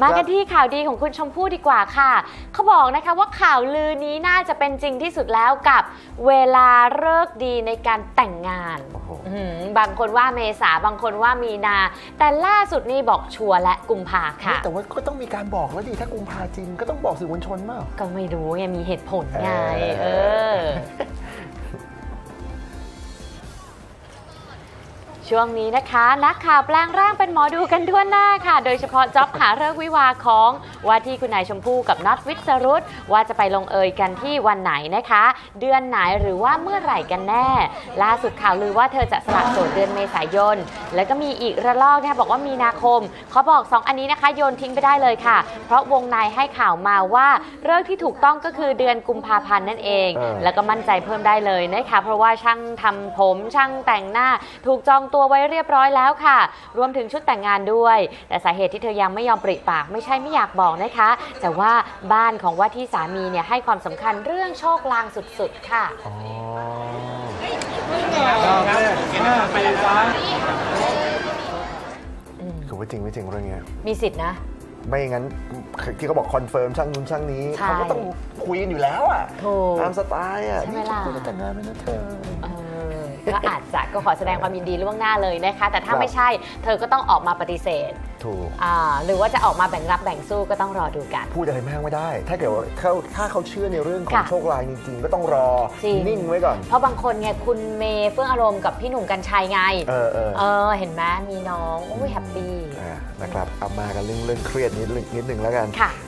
มากันที่ข่าวดีของคุณชมพู่ดีกว่าค่ะเขาบอกนะคะว่าข่าวลือนี้น่าจะเป็นจริงที่สุดแล้วกับเวลาฤกษ์ดีในการแต่งงานบางคนว่าเมษาบางคนว่ามีนาแต่ล่าสุดนี่บอกชัวร์และกุมภาค่ะแต่ว่าก็ต้องมีการบอกแล้วดิถ้ากุมภาจริงก็ต้องบอกสื่อมวลชนมากก็ไม่รู้ไงมีเหตุผลไงช่วงนี้นะคะนักข่าวแปลงร่างเป็นหมอดูกันทั่วหน้าค่ะโดยเฉพาะจ็อบหาฤกษ์วิวาของว่าที่คุณนายชมพู่กับน็อตวิสรุตว่าจะไปลงเอยกันที่วันไหนนะคะเดือนไหนหรือว่าเมื่อไหร่กันแน่ล่าสุดข่าวลือว่าเธอจะสละโสดเดือนเมษายนแล้วก็มีอีกระลอกนะคะบอกว่ามีนาคมเขาบอก2อันนี้นะคะโยนทิ้งไปได้เลยค่ะเพราะวงในให้ข่าวมาว่าฤกษ์ที่ถูกต้องก็คือเดือนกุมภาพันธ์นั่นเองแล้วก็มั่นใจเพิ่มได้เลยนะคะเพราะว่าช่างทำผมช่างแต่งหน้าถูกจองตัวไว้เรียบร้อยแล้วค่ะรวมถึงชุดแต่งงานด้วยแต่สาเหตุที่เธอยังไม่ยอมปริปากไม่ใช่ไม่อยากบอกนะคะแต่ว่าบ้านของว่าที่สามีเนี่ยให้ความสำคัญเรื่องโชคลางสุดๆค่ะคือว่าจริงไม่จริงเรื่องนี้มีสิทธินะไม่งั้นที่เขาบอกคอนเฟิร์มช่างนู้นช่างนี้เขาก็ต้องคุยกันอยู่แล้วอ่ะตามสไตล์อ่ะนี่จะคุยแต่งงานไหมนะเธอก็อาจจะก็ขอแสดงความยินดีล่วงหน้าเลยนะคะแต่ถ้าไม่ใช่เธอก็ต้องออกมาปฏิเสธถูกหรือว่าจะออกมาแบ่งรับแบ่งสู้ก็ต้องรอดูกันพูดอะไรมากไม่ได้ถ้าเกิดว่าถ้าเขาเชื่อในเรื่องของโชคลางจริงๆก็ต้องรอนิ่งไว้ก่อนเพราะบางคนไงคุณเมย์เฟื่องอารมณ์กับพี่หนุ่มกรรชัยไงเห็นไหมมีน้องโอ้ยแฮปปี้นะครับเอามากันเรื่องเครียดนิดนึงแล้วกัน